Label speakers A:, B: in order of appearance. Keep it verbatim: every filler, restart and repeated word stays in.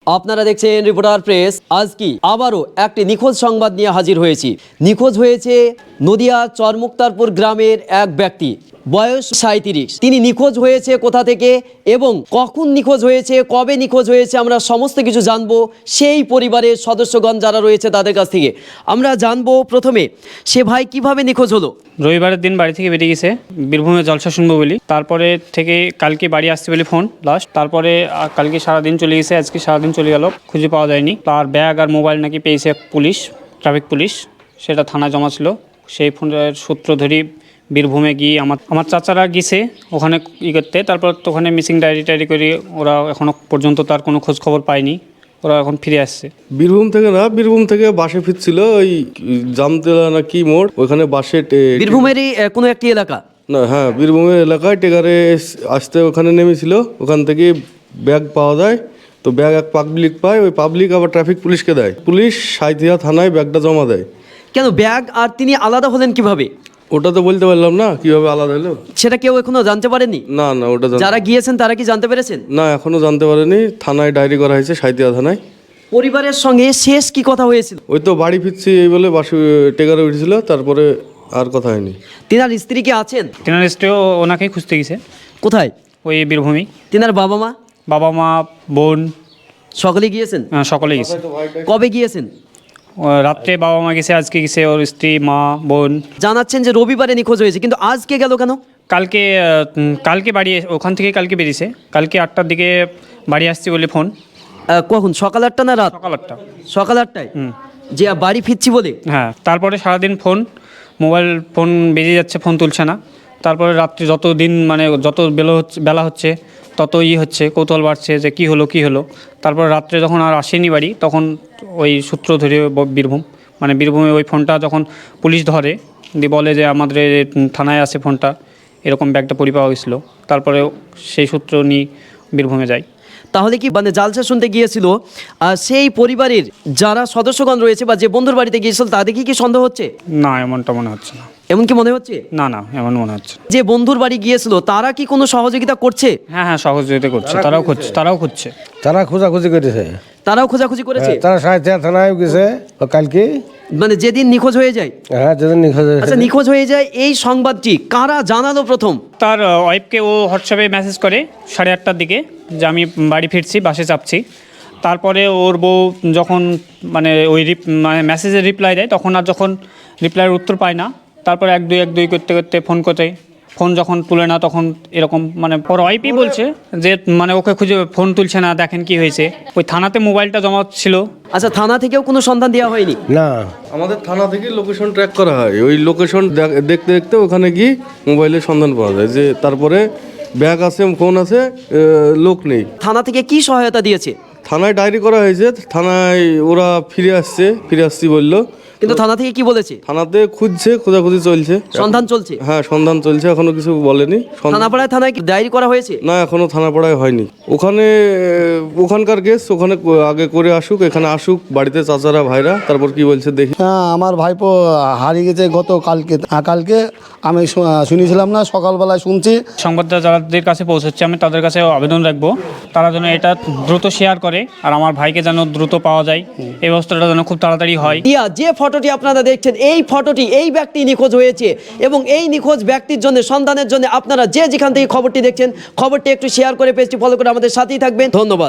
A: আপনারা দেখছেন reporter press. আজ কি আবারও একটি নিখোঁজ সংবাদ নিয়ে হাজির হয়েছি। নিখোঁজ হয়েছে নদিয়া চরমুক্তারপুর গ্রামের এক ব্যক্তি, বয়স সাঁইত্রিশ। তিনি নিখোঁজ হয়েছে কোথা থেকে এবং কখন নিখোঁজ হয়েছে, কবে নিখোঁজ হয়েছে, আমরা সমস্ত কিছু জানবো সেই পরিবারের সদস্যগণ যারা রয়েছে তাদের কাছ থেকে। আমরা জানবো প্রথমে সে ভাই কিভাবে নিখোঁজ হলো।
B: রবিবারের দিন বাড়ি থেকে বেরিয়ে গেছে বীরভূমে জলসা শুনবো বলি, তারপরে থেকে কালকে বাড়ি আসতে বলি ফোন লাস্ট, তারপরে কালকে সারাদিন চলে গেছে, আজকে সারাদিন চলে গেল, খুঁজে পাওয়া যায়নি। তার ব্যাগ আর মোবাইল নাকি পেয়েছে পুলিশ, ট্রাফিক পুলিশ, সেটা থানায় জমা ছিল। সেই ফোনের সূত্র ধরি বীরভূমে গিয়ে আমার আমার চাচারা গিয়েছে ওখানে ই করতে, তারপর তো ওখানে মিসিং ডায়েরি টায়েরি করে ওরা এখনও পর্যন্ত তার কোনো খোঁজ খবর পায়নি, ওরা এখন ফিরে আসছে।
C: বীরভূম থেকে না, বীরভূম থেকে বাসে ফিরছিল, ওই জামতলা না কি মোড়, ওখানে বাসে
A: বীরভূমেরই আহ, কোনো একটি এলাকা
C: না, হ্যাঁ বীরভূমের এলাকায় টেকারে আসতে ওখানে নেমেছিল। ওখান থেকে ব্যাগ পাওয়া যায়, তো ব্যাগ এক পাবলিক পায়, ওই পাবলিক আবার ট্রাফিক পুলিশকে দেয়, পুলিশ সাঁইথিয়া থানায় ব্যাগটা জমা দেয়।
A: কেন ব্যাগ আর তিনি আলাদা হলেন কিভাবে?
C: ওটা তো বলতে পারলাম না কিভাবে আলাদা হলো,
A: সেটা কেউ এখনো জানতে পারেনি।
C: না না ওটা জান-
A: যারা গিয়েছেন তারা কি জানতে পেরেছেন?
C: না এখনো জানতে পারেনি, থানায় ডায়েরি করা হয়েছে সাঁইথিয়া থানায়।
A: পরিবারের সঙ্গে শেষ কি কথা হয়েছিল?
C: ওই তো বাড়ি ফিরছি এই বলে বাসে টেকারে উঠেছিল, তারপরে আর কথা হয়নি।
A: তিনার স্ত্রী কি আছেন?
B: তেনার স্ত্রীও ওনাকেই খুঁজতে গেছে
A: কোথায়?
B: ওই বীরভূমি।
A: তিনার বাবা মা
B: বাবা মা বোন
A: সকলে গিয়েছেন?
B: আহ, সকলে গেছে।
A: কবে গিয়েছেন?
B: ও রাত্রে বাবা মা গেছে, আজকে গেছে ওর স্ত্রী, মা, বোন।
A: জানাচ্ছেন যে রবিবারে নিখোঁজ হয়েছে, কিন্তু আজকে গেল কেন?
B: কালকে আহ, উম, কালকে বাড়ি ওখান থেকে কালকে বেরিয়েছে, কালকে আটটার দিকে বাড়ি আসছি বলে ফোন।
A: আহ, কখন? সকাল আটটা না রাত?
B: সকাল আটটা।
A: সকাল আটটায়
B: হুম।
A: যে বাড়ি ফিরছি বলে?
B: হ্যাঁ, তারপরে সারাদিন ফোন, মোবাইল ফোন বেজে যাচ্ছে, ফোন তুলছে না। তারপরে রাত্রি যত দিন মানে যত বেলা হচ্ছে বেলা হচ্ছে তত ই হচ্ছে, কৌতূহল বাড়ছে যে কী হলো কী হলো। তারপর রাত্রে যখন আর আসেনি বাড়ি, তখন ওই সূত্র ধরে ব- বীরভূম মানে বীরভূমে ওই ফোনটা যখন পুলিশ ধরে দিয়ে বলে যে আমাদের থানায় আছে ফোনটা, এরকম ব্যাগটা পরি পাওয়া গেছিলো। তারপরে সেই সূত্র নিয়ে বীরভূমে যাই।
A: তাহলে কি মানে জালসা শুনতে গিয়েছিল আর সেই পরিবারের যারা সদস্যগণ রয়েছে বা যে বন্ধুর বাড়িতে গিয়েছিল তাদের কি কি সন্দেহ হচ্ছে?
B: না, এমনটা মনে হচ্ছে না।
A: এমন কি মনে হচ্ছে?
B: না না, এমন মনে হচ্ছে না।
A: যে বন্ধুর বাড়ি গিয়েছিল তারা কি কোনো সহযোগিতা করছে?
B: হ্যাঁ হ্যাঁ, সহযোগিতা করছে, তারাও খুঁজছে তারাও খুঁজছে
D: তারা খোঁজাখুঁজি করেছে,
A: তারাও খোঁজাখুঁজি করেছে?
D: তারা সাঁইথিয়া থানায় গেছে ও কালকে।
A: মানে যেদিন নিখোঁজ হয়ে যায়?
D: হ্যাঁ, যেদিন নিখোঁজ হয়েছে।
A: আচ্ছা, নিখোঁজ হয়ে যায় এই সংবাদটি কারা জানালো প্রথম?
B: তার ওয়াইফকে ও হোয়াটসঅ্যাপে মেসেজ করে সাড়ে আটটার দিকে যে আমি বাড়ি ফিরছি, বাসে চাপছি। তারপরে ওর বউ যখন মানে ওই রিপ মানে মেসেজের রিপ্লাই দেয়, তখন আর যখন রিপ্লাইয়ের উত্তর পায় না, তারপরে এক দুই এক দুই করতে করতে ফোন করতে, ফোন যখন তুলে না তখন এরকম মানে ওর ওয়াইফই বলছে যে মানে ওকে খুঁজে ফোন তুলছে না, দেখেন কি হয়েছে। ওই থানাতে মোবাইলটা জমা ছিল।
A: আচ্ছা, থানা থেকেও কোনো সন্ধান দেওয়া হয়নি?
D: না,
C: আমাদের থানা থেকে লোকেশন ট্র্যাক করা হয়, ওই লোকেশন দেখতে দেখতে ওখানে গিয়ে মোবাইলের সন্ধান পাওয়া যায়, যে তারপরে ব্যাগ আছে, ফোন আছে, আহ, লোক নেই।
A: থানা থেকে কি সহায়তা দিয়েছে?
C: থানায় ডায়েরি করা হয়েছে, থানায় ওরা ফিরে আসছে, ফিরে আসছি বললো।
A: কিন্তু থানা থেকে কি বলেছে?
C: থানাতে খুঁজছে, খোঁজাখুঁজি চলছে,
A: সন্ধান চলছে?
C: হ্যাঁ সন্ধান চলছে, এখনো কিছু বলেনি। সন্ধান-
A: থানাপাড়ায় থানায় কি ডায়েরি করা হয়েছে?
C: না, এখনো থানাপাড়ায় হয়নি। ওখানে আহ, ওখানকার কেস ওখানে আগে করে আসুক, এখানে আসুক বাড়িতে চাচারা ভাইরা, তারপর কি বলছে দেখি।
E: হ্যাঁ, আমার ভাইপো হারিয়ে গেছে গত কালকে। হ্যাঁ, কালকে আমি শু- শুনেছিলাম না, সকালবেলায় শুনছি।
B: সংবাদটা যাদের কাছে পৌঁছচ্ছে আমি তাদের কাছে আবেদন রাখবো, তারা যেন এটা দ্রুত শেয়ার করে আর আমার ভাইকে যেন দ্রুত পাওয়া যায়, এই ব্যবস্থাটা যেন খুব তাড়াতাড়ি হয়।
A: ইয়া যে ফটোটি আপনারা দেখছেন, এই ফটোটি এই ব্যক্তি নিখোঁজ হয়েছে এবং এই নিখোঁজ ব্যক্তির জন্য সন্ধানের জন্য আপনারা যে যেখান থেকে খবরটি দেখছেন, খবরটি একটু শেয়ার করে পেজটি ফলো করে আমাদের সাথেই থাকবেন। ধন্যবাদ।